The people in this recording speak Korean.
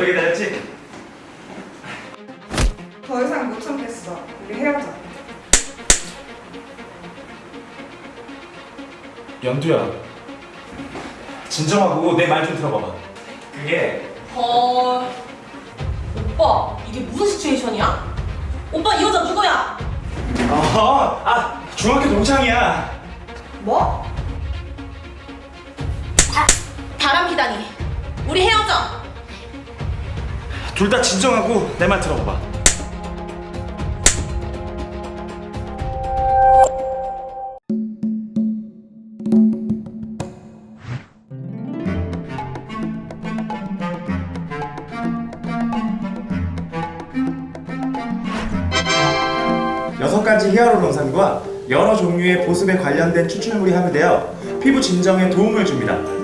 오래 기다렸지? 더 이상 못 참겠어. 우리 헤어져. 연두야, 진정하고 내 말 좀 들어봐봐. 그게 헐. 오빠, 이게 무슨 시츄에이션이야? 오빠, 이 여자 누구야? 중학교 동창이야. 뭐? 바람 피다니. 우리 헤어져. 둘 다 진정하고 내 말 들어봐봐. 여섯 가지 히아루론산과 여러 종류의 보습에 관련된 추출물이 함유되어 피부 진정에 도움을 줍니다.